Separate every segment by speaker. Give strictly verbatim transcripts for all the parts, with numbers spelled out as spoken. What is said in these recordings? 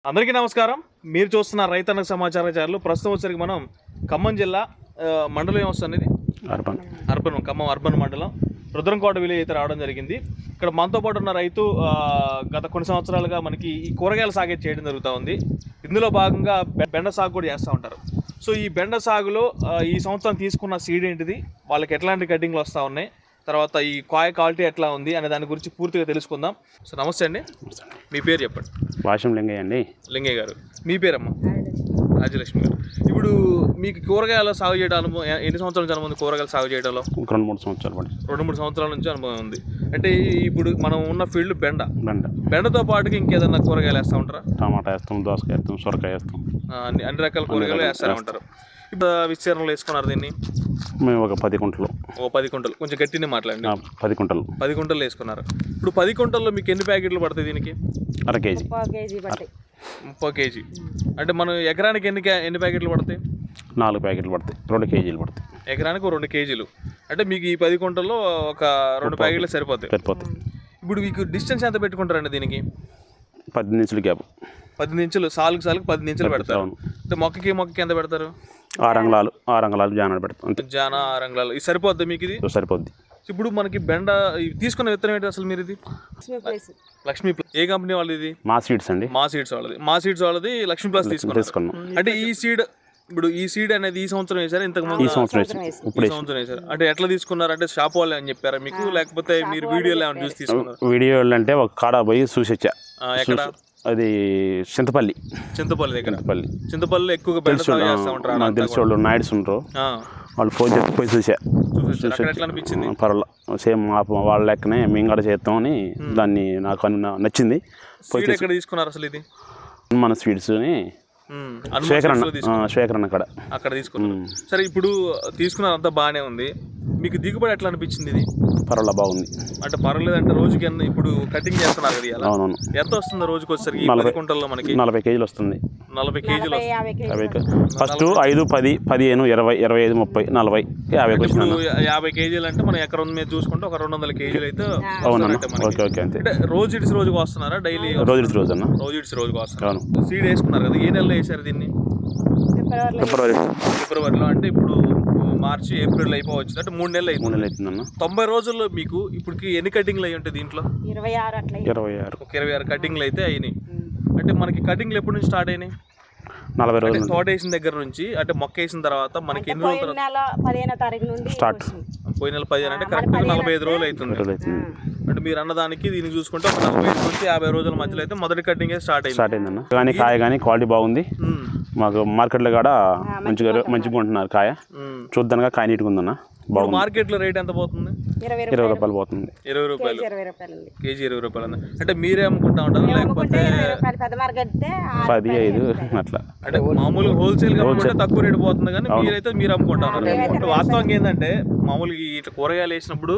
Speaker 1: అందరికీ నమస్కారం. మీరు చూస్తున్న రైతన్న సమాచార ఛానల్. ప్రస్తుతం వచ్చరికి మనం ఖమ్మం జిల్లా మండలం ఏమొస్తుంది
Speaker 2: అర్బన్
Speaker 1: అర్బన్ ఖమ్మం అర్బన్ మండలం రుద్రంకోట విలేజ్ అయితే రావడం జరిగింది. ఇక్కడ మనతో పాటు ఉన్న రైతు గత కొన్ని సంవత్సరాలుగా మనకి ఈ కూరగాయల సాగు చేయడం జరుగుతూ ఉంది. ఇందులో భాగంగా బెండ సాగు కూడా చేస్తూ ఉంటారు. సో ఈ బెండ సాగులో ఈ సంవత్సరం తీసుకున్న సీడ్ ఏంటిది, వాళ్ళకి ఎట్లాంటి కటింగ్లు వస్తూ ఉన్నాయి, తర్వాత ఈ కాయ క్వాలిటీ ఎట్లా ఉంది అనే దాని గురించి పూర్తిగా తెలుసుకుందాం. సో నమస్తే అండి, మీ పేరు చెప్పండి.
Speaker 2: భాషం లింగయ్య అండి.
Speaker 1: లింగయ్య గారు, మీ పేరమ్మా? రాజలక్ష్మి గారు. ఇప్పుడు మీకు కూరగాయల సాగు చేయడం అనుభవం ఎన్ని సంవత్సరాల నుంచి అనుభవం? కూరగాయల సాగు చేయడంలో
Speaker 2: రెండు మూడు సంవత్సరాలు పడి
Speaker 1: రెండు మూడు సంవత్సరాల నుంచి అనుభవం ఉంది. అంటే ఇప్పుడు మనం ఉన్న ఫీల్డ్ బెండ
Speaker 2: బెండ
Speaker 1: బెండతో పాటుగా ఇంకేదన్నా కూరగాయలు వేస్తూ ఉంటారా?
Speaker 2: టమాటా వేస్తాం, దోసకాయ వేస్తాం, సొరకాయ వేస్తాం,
Speaker 1: అన్ని అన్ని రకాల కూరగాయలు వేస్తూనే ఉంటారు. ఇప్పుడు విస్తీర్ణంలో వేసుకున్నారు దీన్ని?
Speaker 2: మేము ఒక పది కుంటలు
Speaker 1: ఓ పది కుంటలు కొంచెం గట్టినే మాట్లాడండి.
Speaker 2: పది కుంటలు
Speaker 1: పది కుంటలు వేసుకున్నారు. ఇప్పుడు పది కుంటల్లో మీకు ఎన్ని ప్యాకెట్లు పడతాయి దీనికి?
Speaker 2: అర కేజీ
Speaker 1: ముప్పై కేజీ. అంటే మనం ఎకరానికి ఎన్ని ఎన్ని ప్యాకెట్లు పడతాయి?
Speaker 2: నాలుగు ప్యాకెట్లు పడతాయి, రెండు కేజీలు పడతాయి.
Speaker 1: ఎకరానికి రెండు కేజీలు. అంటే మీకు ఈ పది కుంటల్లో ఒక రెండు ప్యాకెట్లు సరిపోతాయి
Speaker 2: సరిపోతాయి
Speaker 1: ఇప్పుడు మీకు డిస్టెన్స్ ఎంత పెట్టుకుంటారండి దీనికి?
Speaker 2: పది ఇంచులు గ్యాప్.
Speaker 1: పది ఇంచులు సాలుకు సాలుకు పది ఇంచులు పెడతారు. అంటే మొక్కకి మొక్కకి ఎంత పెడతారు?
Speaker 2: ఆరు అంగళాలు ఆరు అంగళాలు జానాలు పెడతాం అంతే.
Speaker 1: జానా ఆరు అంగళాలు. ఇది సరిపోద్ది మీకు? ఇది
Speaker 2: సరిపోద్ది.
Speaker 1: ఇప్పుడు మనకి బెండ తీసుకున్న విత్తనం ఏంటి అసలు మీరు? ఇది లక్ష్మీ ప్లస్. ఏ కంపెనీ వాళ్ళది ఇది?
Speaker 2: మా సీడ్స్ అండి.
Speaker 1: మా సీడ్స్ వాళ్ళది. మా సీడ్స్ వాళ్ళది లక్ష్మీ ప్లస్ తీసుకున్నాం. అంటే ఈ సీడ్ ఇప్పుడు ఈ సీడ్ అనేది ఈ సంవత్సరం వేసారు, ఇంతకు ముందు
Speaker 2: ఈ సంవత్సరం
Speaker 1: ఈ సంవత్సరం వేసారు. అంటే ఎట్లా తీసుకున్నారు? అంటే షాప్ వాళ్ళు అని చెప్పారా మీకు, లేకపోతే మీరు వీడియోలో ఏమైనా చూసి తీసుకున్నారు?
Speaker 2: వీడియోలు అంటే ఒక కాడ పోయి చూసి వచ్చా.
Speaker 1: ఎక్కడ?
Speaker 2: అది చింతపల్లి.
Speaker 1: చింతపల్లి దగ్గర.
Speaker 2: చింతపల్లి
Speaker 1: చింతపల్లి ఎక్కువగా బెండ సాగు చేస్తూ ఉంటారు.
Speaker 2: నాకు తెలిసి వాళ్ళు నాయుడుస్ ఉంటారు, వాళ్ళు ఫోన్ చెప్పి పోయి చూసా.
Speaker 1: ఎట్లా అనిపించింది?
Speaker 2: పర్వాలేదు, సేమ్ వాళ్ళ లెక్కనే మేము కూడా చేస్తామని దాన్ని నాకు నచ్చింది.
Speaker 1: పోయి ఎక్కడ తీసుకున్నారు అసలు ఇది?
Speaker 2: మన స్వీట్స్ అని శేఖరన్న శేఖరన్న అక్కడ
Speaker 1: అక్కడ తీసుకున్నాం. సరే, ఇప్పుడు తీసుకున్నారు, అంతా బాగానే ఉంది. మీకు దిగుబడి ఎట్లా అనిపించింది ఇది?
Speaker 2: పర్వాలేదు, బాగుంది.
Speaker 1: అంటే పర్వాలేదు అంటే రోజుకి ఎంత ఇప్పుడు కటింగ్ చేస్తున్నారు కదా?
Speaker 2: అవునవును.
Speaker 1: ఎంత వస్తుంది రోజుకి వచ్చేసరికి? నలభై కుంటల్లో మనకి
Speaker 2: నలభై కేజీలు వస్తుంది.
Speaker 1: నలభై కేజీలు
Speaker 2: ఫస్ట్ ఐదు పది పదిహేను ఇరవై ఇరవై ఐదు ముప్పై నలభై యాభై
Speaker 1: యాభై కేజీలు అంటే మనం ఎకరం మీద చూసుకుంటే ఒక రెండు వందల కేజీలు అయితే
Speaker 2: ఓకే ఓకే అంతే.
Speaker 1: అంటే రోజు ఇడిసి రోజుకి వస్తున్నారా? డైలీ
Speaker 2: రోజు ఇడిసి రోజు అన్న
Speaker 1: రోజు ఇడిసి రోజుకి వస్తున్నారు. సీడ్ వేసుకున్నారు కదా, ఏ నెలలో వేసారు దీన్ని?
Speaker 2: ఫిబ్రవరి
Speaker 1: ఫిబ్రవరిలో. అంటే ఇప్పుడు మార్చి ఏప్రిల్ అయిపోవచ్చు, అంటే మూడు నెలలు
Speaker 2: మూడు నెలలు అవుతుందన్న.
Speaker 1: తొంభై రోజుల్లో మీకు ఇప్పటికి ఎన్ని కటింగ్లు అయ్యి ఉంటాయి దీంట్లో?
Speaker 2: ఇరవై ఆరు ఇరవై ఆరు
Speaker 1: ఒక ఇరవై ఆరు కటింగ్లు అయితే అయినాయి. అంటే మనకి కటింగ్లు ఎప్పటి నుంచి స్టార్ట్ అయినాయి?
Speaker 2: నలభై రోజులు.
Speaker 1: తోట వేసిన దగ్గర నుంచి, అంటే మొక్క వేసిన తర్వాత మనకి ఎన్ని రోజులు తర్వాత
Speaker 2: స్టార్ట్?
Speaker 1: పోయిన నెల పదిహేను అంటే కరెక్ట్ గా నలభై ఐదు రోజులు అవుతుంది. అంటే మీరు అన్నదానికి దీన్ని చూసుకుంటే ఒక నలభై ఐదు నుంచి యాభై రోజుల మధ్యలో అయితే మొదటి కటింగ్ స్టార్ట్ అయింది.
Speaker 2: స్టార్ట్ అయిందన్న. కానీ కాయ కానీ క్వాలిటీ బాగుంది. మాకు మార్కెట్లో కూడా మంచిగా మంచిగా ఉంటున్నారు కాయ. చూద్దానుగా కాయ నీట్గా ఉందన్న, బాగుంది.
Speaker 1: మార్కెట్ లో రేట్ ఎంత పోతుంది?
Speaker 2: ఇరవై రూపాయలు పోతుంది.
Speaker 1: ఇరవై రూపాయలు కేజీ. ఇరవై రూపాయలు. అంటే మీరే అమ్ముకుంటా ఉంటారు లేకపోతే
Speaker 2: పది ఐదు అట్లా?
Speaker 1: అంటే మామూలుగా హోల్సేల్ గా అమ్ముకుంటే తక్కువ రేటు పోతుంది, కానీ మీరైతే మీరు అమ్ముకుంటా ఉంటారు. వాస్తవంగా ఏంటంటే మామూలుగా ఇట్లా కూరగాయలు వేసినప్పుడు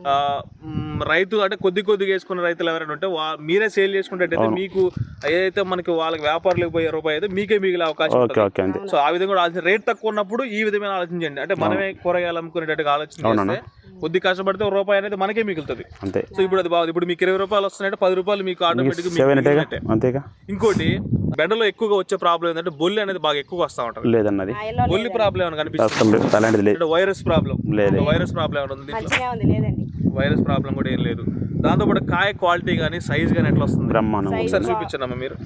Speaker 1: రైతు అంటే కొద్ది కొద్దిగా వేసుకున్న రైతులు ఎవరైనా ఉంటే మీరే సేల్ చేసుకుంటే మీకు ఏదైతే మనకి వాళ్ళకి వ్యాపారులకు పోయే రూపాయి అయితే మీకే మిగిలే అవకాశం ఉంటుంది. సో ఆ విధంగా కూడా రేట్ తక్కువ ఉన్నప్పుడు ఈ విధమైన ఆలోచించండి. అంటే మనమే కూరగాయలు అమ్ముకునేటట్టుగా ఆలోచించి కొద్ది కష్టపడితే ఒక రూపాయి అనేది మనకే మిగులుతుంది. సో ఇప్పుడు అది బాగుంది. ఇప్పుడు మీకు ఇరవై రూపాయలు వస్తున్నాయంటే పది రూపాయలు మీకు ఆటోమేటిక్. ఇంకోటి బెండలో ఎక్కువగా వచ్చే ప్రాబ్లం ఏంటంటే బొల్లి అనేది బాగా ఎక్కువ వస్తా ఉంటుంది.
Speaker 2: లేదన్నది
Speaker 1: బొల్లి ప్రాబ్లం ఏమైనా కనిపిస్తుంది? వైరస్ ప్రాబ్లం వైరస్ ప్రాబ్లం ఏమైనా ఉంది? వైరస్ ప్రాబ్లం కూడా ఏం లేదు. దాంతో పాటు కాయ క్వాలిటీ కానీ సైజ్ కానీ ఎట్లా వస్తుంది?
Speaker 2: బ్రహ్మాండం.
Speaker 1: ఒకసారి చూపించండి మీరు.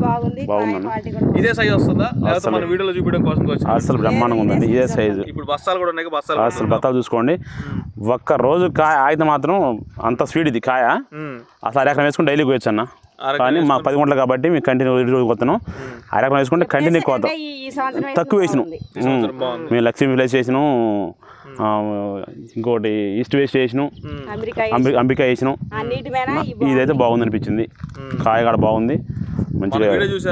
Speaker 1: ఇదే సైజ్ వస్తుందా లేకపోతే మన వీడియోలో చూపించడం కోసం?
Speaker 2: అసలు బ్రహ్మాండంగా ఉందండి, ఇదే సైజు.
Speaker 1: ఇప్పుడు బస్తాలు కూడా ఉన్నాయి, బస్తాలు
Speaker 2: అసలు బస్తాలు చూసుకోండి. ఒక్క రోజు కాయ అయితే మాత్రం అంత స్వీట్ ఇది కాయ. అసలు అరెకరం వేసుకుని డైలీ పోయొచ్చు అన్న. కానీ మా పది గంటలు కాబట్టి మీకు కంటిన్యూ రోజు కొత్తను అరెకరం వేసుకుంటే కంటిన్యూ కోతాం. తక్కువ వేసినాం మేము, లక్ష్మీ విలేజ్ వేసినాం, ఇంకోటి ఈస్ట్ వేస్ట్ వేసినాం, అంబికా వేసినాం. ఇదైతే బాగుంది అనిపించింది, కాయ కూడా బాగుంది మంచిగా.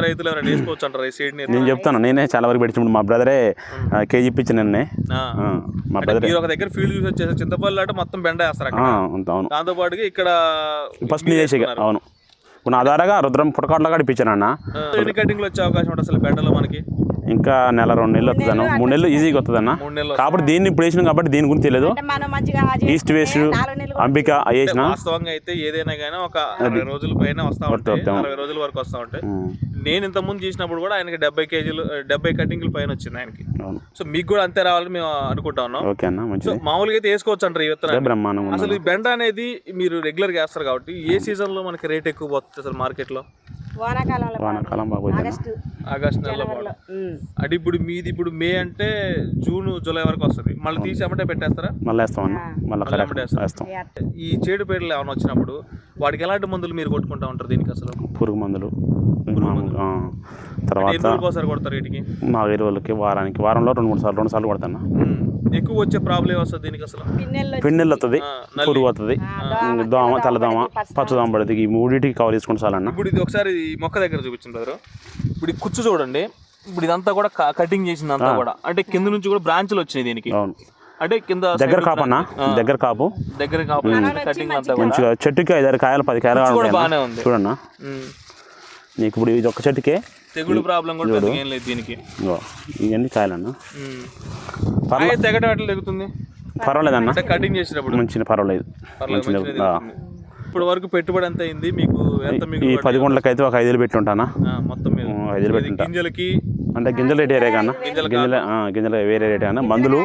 Speaker 2: నేను చెప్తాను, నేనే చాలా వరకు పెట్టినప్పుడు మా బ్రదరే కేజీ ఇప్పించాను నిన్నే. మా బ్రదర్
Speaker 1: దగ్గర ఫీల్డ్ చూసి వచ్చేసి చింతపల్లి అంటే మొత్తం బెండ వేస్తారు.
Speaker 2: అవును,
Speaker 1: దాంతో పాటుగా ఇక్కడ
Speaker 2: ఫస్ట్ నీ చేసి. అవును, ఇప్పుడు నా ద్వారాగా రుద్రం పుట్టకాట్లో కూడా ఇప్పించాను అన్న.
Speaker 1: ఎన్ని కటింగ్లు వచ్చే అవకాశం ఉంటుంది అసలు బెండలో మనకి?
Speaker 2: ఇంకా నెల రెండు నెలలు వస్తుంది అన్న, మూడు నెలలు ఈజీగా వస్తుంది అన్న. కాబట్టి దీన్ని ఇప్పుడు వేసినాం కాబట్టి దీని గురించి తెలియదు. ఈస్ట్ వేస్ట్ అంబిక వేసిన
Speaker 1: వాస్తవంగా అయితే ఏదైనా కానీ ఒక అరవై రోజుల పైన వస్తా ఉంటాయి, అరవై రోజుల వరకు వస్తా ఉంటాయి. నేను ఇంతకుముందు చేసినప్పుడు కూడా ఆయనకి డెబ్బై కేజీలు డెబ్బై కటింగ్లు పైన వచ్చింది ఆయనకి.
Speaker 2: అవును.
Speaker 1: సో మీకు కూడా అంతే రావాలని మేము అనుకుంటా ఉన్నాం.
Speaker 2: ఓకే అన్న,
Speaker 1: సో
Speaker 2: మంచిది.
Speaker 1: మామూలుగా అయితే వేసుకోవచ్చు అంటారు ఈ విత్తనాలు.
Speaker 2: బ్రహ్మాండంగా ఉంది.
Speaker 1: అసలు ఈ బెండ అనేది మీరు రెగ్యులర్గా వేస్తారు కాబట్టి ఏ సీజన్లో మనకి రేట్ ఎక్కువ పోతుంది అసలు మార్కెట్లో?
Speaker 3: వానాకాలంలో
Speaker 2: వానాకాలం బాగా
Speaker 3: ఆగస్టు
Speaker 1: ఆగస్ట్ నెలలో బాగా.
Speaker 3: ఉమ్.
Speaker 1: అంటే ఇప్పుడు మీది ఇప్పుడు మే అంటే జూన్ జూలై వరకు వస్తుంది, మళ్ళీ తీసి అమ్మటే పెట్టేస్తారా?
Speaker 2: మళ్ళీ వేస్తాం అన్న, మళ్ళీ
Speaker 1: మళ్ళీ అమ్మటే వేస్తారా?
Speaker 2: వేస్తాం.
Speaker 1: ఈ చేడు పేర్లు ఏమైనా వచ్చినప్పుడు వాటికి ఎలాంటి మందులు మీరు కొట్టుకుంటా ఉంటారు దీనికి అసలు?
Speaker 2: పురుగు మందులు మామూలుగా, ఆ, తర్వాత
Speaker 1: ఎన్ని రోజులకు ఒకసారి కొడతారు వీటికి?
Speaker 2: మా ఎరువులకి వారానికి వారంలో రెండు మూడు సార్లు రెండు సార్లు కొడతాను.
Speaker 1: ఉమ్. ఎక్కువ వచ్చే ప్రాబ్లం వస్తుంది దీనికి అసలు?
Speaker 3: పిన్నెల్లో
Speaker 2: పిండిలు వస్తుంది,
Speaker 1: ఆ, నల్లి.
Speaker 2: పురుగు వస్తుంది, దోమ తెల్లదోమ పచ్చదోమ పడుతుంది. ఈ మూడింటికి కవర్ తీసుకుంటే చాలన్న.
Speaker 1: ఇప్పుడు ఇది ఒకసారి ఈ మొక్క దగ్గర చూపించింది బ్రదర్. ఇప్పుడు ఈ కుచ్చు చూడండి, ఇప్పుడు ఇదంతా కూడా క- కటింగ్ చేసింది అంతా కూడా, అంటే కింద నుంచి కూడా బ్రాంచ్లు వచ్చినాయి దీనికి.
Speaker 2: అవును,
Speaker 1: అంటే కింద
Speaker 2: దగ్గర
Speaker 1: side
Speaker 2: కాపు అన్న,
Speaker 1: ఆ.
Speaker 2: దగ్గర కాపు
Speaker 1: దగ్గర కాపు కటింగ్ అంతా కూడా
Speaker 2: మంచిగా. చెట్టుకి ఐదారు కాయలు పది కాయలు
Speaker 1: కుచ్చు కూడా
Speaker 2: కావాలి
Speaker 1: బాగానే ఉంది.
Speaker 2: చూడన్న.
Speaker 1: ఉమ్.
Speaker 2: నీకు ఇప్పుడు ఇది ఒక చెట్టుకే
Speaker 1: తెగుడు ప్రాబ్లం కూడా పెద్దగా ఏం లేదు దీనికి.
Speaker 2: ఇగో ఇవన్నీ కాయలన్న.
Speaker 1: ఉమ్. కాయ తెగటం ఎట్లా తెగుతుంది
Speaker 2: పర్వాలేదన్న,
Speaker 1: అంటే కటింగ్ చేసినప్పుడు?
Speaker 2: మంచిగా పర్వాలేదు.
Speaker 1: పర్లేదు,
Speaker 2: మంచిగా
Speaker 1: మంచిగా
Speaker 2: ఆ.
Speaker 1: తెగుతుంది. ఇప్పుడు వరకు పెట్టుబడి ఎంత అయింది మీకు? ఎంత
Speaker 2: ఈ
Speaker 1: మీకు
Speaker 2: పది గుంటలకి అయితే ఒక ఐదు వేలు పెట్టి ఉంటానా.
Speaker 1: మొత్తం మీద
Speaker 2: ఐదు వేలు
Speaker 1: ఇది
Speaker 2: పెట్టుంటా.
Speaker 1: గింజలకి
Speaker 2: అంటే గింజల రేట్ వేరే కన్నా, గింజల ఆ, గింజల వేరే రేట్ అన్న. మందులు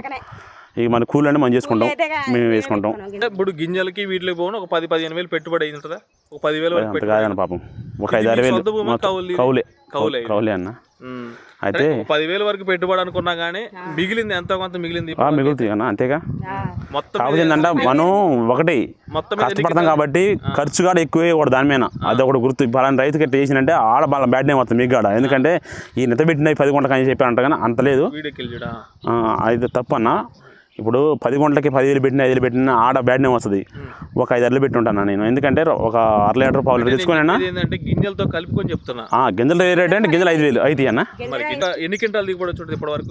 Speaker 2: ఇక మన కూల్ అంటే మనం చేసుకుంటాం, మేము వేసుకుంటాం.
Speaker 1: అంటే ఇప్పుడు గింజలకి వీటికి పోను ఒక పది పదిహేను వేలు పెట్టుబడి అయింది ఉంటుందా? ఒక పదివేలు వరకు
Speaker 2: అంత
Speaker 1: పెట్టుబడి.
Speaker 2: కాదన్న పాపం, ఒక ఐదు ఆరు వేలు
Speaker 1: సొంత భూమా కౌలు?
Speaker 2: కౌలే
Speaker 1: కౌలే.
Speaker 2: కౌలే అన్న.
Speaker 1: ఉమ్.
Speaker 2: అయితే
Speaker 1: ఒక పదివేలు వరకు పెట్టుబడి అనుకున్నా కానీ మిగిలింది ఎంత కొంత మిగిలింది
Speaker 2: ఆ, మిగులుతాయి అన్న, అంతేగా.
Speaker 1: మొత్తం
Speaker 2: కాకపోతే ఏంటంటే మనం ఒకటి
Speaker 1: మొత్తం మీద
Speaker 2: కష్టపడతాం కాబట్టి ఖర్చు కూడా ఎక్కువే కూడా దాని మీద. అది ఒకటి గుర్తు. పలానా రైతుకి ఎట్లా చేసినంటే ఆడ బాగా బ్యాడ్ నేమ్ వస్తుంది మీకు కాడ. ఎందుకంటే ఈ నెత పెట్టిన పది గుంటలకు అని చెప్పారంట కానీ అంత లేదు.
Speaker 1: వీడియోకి వెళ్ళి చూడా.
Speaker 2: ఆ, అది తప్పు అన్న. ఇప్పుడు పది గుంటలకి పదివేలు పెట్టిన ఐదు వేలు పెట్టిన ఆడ బ్యాడ్ నేమ్ వస్తుంది. ఒక ఐదు అరలు పెట్టి ఉంటాను నేను, ఎందుకంటే ఒక అర లీటర్ పావు లీటర్ తెచ్చుకొని అన్న.
Speaker 1: ఇది ఏంటంటే గింజలతో కలుపుకొని చెప్తున్నా.
Speaker 2: గింజలు రేట్ అంటే గింజలు ఐదు వేలు అయితే అన్న.
Speaker 1: మరి ఇంకా ఎన్ని క్వింటాలు దిగుబడి వచ్చి ఉంటుంది ఇప్పటి వరకు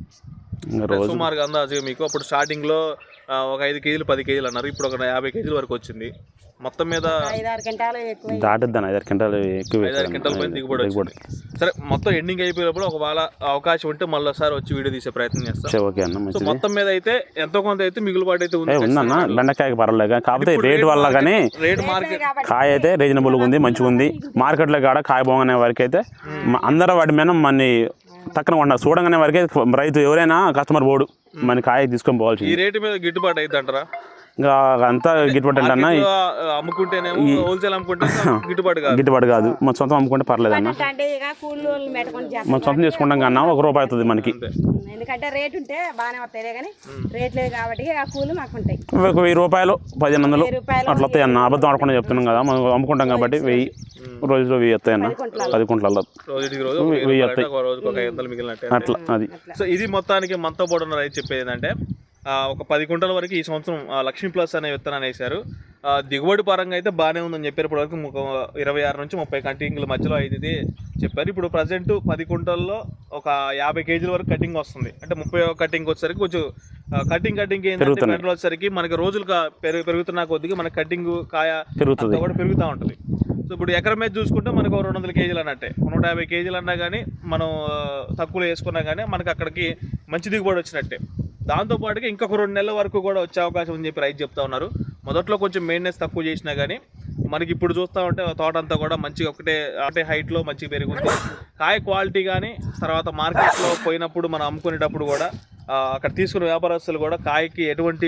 Speaker 2: ఇంకా రోజు
Speaker 1: సుమారుగా అందాజుగా మీకు? అప్పుడు స్టార్టింగ్ లో ఆ, ఒక ఐదు కేజీలు పది కేజీలు అన్నారు, ఇప్పుడు ఒక యాభై కేజీల వరకు వచ్చింది. మొత్తం మీద
Speaker 3: ఐదారు గంటలు ఎక్కువ
Speaker 2: దాటుద్దాను, ఐదారు క్వింటాలు ఎక్కువ
Speaker 1: ఐదారు క్వింటాల పైన దిగుబడి వచ్చింది. సరే, మొత్తం ఎండింగ్ అయిపోయినప్పుడు ఒకవేళ అవకాశం ఉంటే మళ్ళీ ఒకసారి వచ్చి వీడియో తీసే ప్రయత్నం చేస్తాం.
Speaker 2: ఓకే అన్న,
Speaker 1: సో
Speaker 2: మంచిది.
Speaker 1: మొత్తం మీద అయితే ఎంతో కొంత అయితే మిగులుబాటు అయితే ఉంది.
Speaker 2: ఉందన్న, బెండకాయకి పర్వాలేదు. కాకపోతే రేటు వల్ల కానీ
Speaker 1: రేట్ మార్కెట్
Speaker 2: కాయ అయితే రీజనబుల్గా ఉంది, మంచిగా ఉంది. మార్కెట్లో కాడ కాయ బాగునే వరకు అయితే అందరూ వాటి మీద మన తక్కువ ఉన్నారు. చూడంగానే వరకే రైతు ఎవరైనా కస్టమర్ పోడు, మన కాయ తీసుకొని పోవాల్సింది.
Speaker 1: ఈ రేటు మీద గిట్టుబాటు అయితే అంటారా?
Speaker 2: ఇంకా అంతా గిట్టుబాటు అంటే అన్న,
Speaker 1: అమ్ముకుంటేనేమో హోల్సేల్ అమ్ముకుంటే గిట్టుబాటు కాదు.
Speaker 2: గిట్టుబాటు కాదు. మన సొంతం అమ్ముకుంటే పర్లేదు అన్న.
Speaker 3: అంటే ఇక కూలీలు పెట్టుకొని చేస్తాం.
Speaker 2: మనం సొంతం చేసుకుంటాం కన్నా ఒక రూపాయి అవుతుంది మనకి.
Speaker 3: ఎందుకంటే రేట్ ఉంటే బాగానే వస్తాయి కానీ రేట్ లేదు కాబట్టి ఆ కూలి మాకు ఉంటాయి.
Speaker 2: ఒక వెయ్యి రూపాయలు పదిహేను వందలు
Speaker 3: రూపాయలు
Speaker 2: అట్లా వస్తాయి అన్న. అబద్ధం ఆడకుండా చెప్తున్నాం కదా, మనం అమ్ముకుంటాం కాబట్టి వెయ్యి రోజులో వెయ్యి వస్తాయి అన్న. పది కుంటలలో
Speaker 1: రోజుకి రోజు
Speaker 2: వెయ్యి వస్తాయి
Speaker 1: రోజుకి ఒక ఐదు వందలు మిగిలినట్టే.
Speaker 2: అట్లా. అది
Speaker 1: సో ఇది మొత్తానికి మనతో పాటు ఉన్న రైతు చెప్పేది ఏంటంటే ఒక పది కుంటల వరకు ఈ సంవత్సరం లక్ష్మీ ప్లస్ అనే విత్తనాన్ని వేశారు. దిగుబడి పరంగా అయితే బాగానే ఉందని చెప్పారు. ఇప్పటి వరకు ఇరవై ఆరు నుంచి ముప్పై కటింగ్ల మధ్యలో అయితే చెప్పారు. ఇప్పుడు ప్రజెంట్ పది కుంటల్లో ఒక యాభై కేజీల వరకు కటింగ్ వస్తుంది. అంటే ముప్పై కటింగ్ వచ్చేసరికి కొంచెం కటింగ్ కటింగ్ ఏంటంటే మెడల్ వచ్చేసరికి మనకి రోజులు పెరుగు పెరుగుతున్న కొద్దిగా మన కటింగ్ కాయ
Speaker 2: పెరుగుతుంది
Speaker 1: కూడా పెరుగుతూ ఉంటుంది. సో ఇప్పుడు ఎకరం మీద చూసుకుంటే మనకు రెండు వందల కేజీలు అన్నట్టే, నూట యాభై కేజీలు అన్నా కానీ మనం తక్కువలో వేసుకున్నా కానీ మనకి అక్కడికి మంచి దిగుబడి వచ్చినట్టే. దాంతోపాటుగా ఇంకొక రెండు నెలల వరకు కూడా వచ్చే అవకాశం అని చెప్పి రైతు చెప్తా ఉన్నారు. మొదట్లో కొంచెం మెయింటెనెన్స్ తక్కువ చేసినా కానీ మనకి ఇప్పుడు చూస్తూ ఉంటే తోట అంతా కూడా మంచిగా ఒకటే ఒకటే హైట్లో మంచిగా పెరుగుతుంది. కాయ క్వాలిటీ కానీ తర్వాత మార్కెట్లో పోయినప్పుడు మనం అమ్ముకునేటప్పుడు కూడా అక్కడ తీసుకున్న వ్యాపారస్తులు కూడా కాయకి ఎటువంటి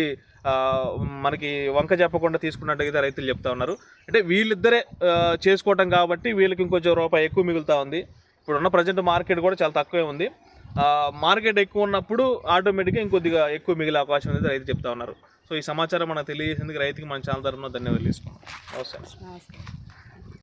Speaker 1: మనకి వంక చెప్పకుండా తీసుకున్నట్టుగా రైతులు చెప్తా ఉన్నారు. అంటే వీళ్ళిద్దరే చేసుకోవటం కాబట్టి వీళ్ళకి ఇంకొంచెం రూపాయి ఎక్కువ మిగులుతూ ఉంది. ఇప్పుడున్న ప్రజెంట్ మార్కెట్ కూడా చాలా తక్కువే ఉంది. మార్కెట్ ఎక్కువ ఉన్నప్పుడు ఆటోమేటిక్గా ఇంకొద్దిగా ఎక్కువ మిగిలే అవకాశం అనేది రైతు చెప్తా ఉన్నారు. సో ఈ సమాచారం మనకు తెలియజేసేందుకు రైతుకి మన ఛానల్ తరఫున ధన్యవాదాలు తీసుకున్నాం. నమస్తే.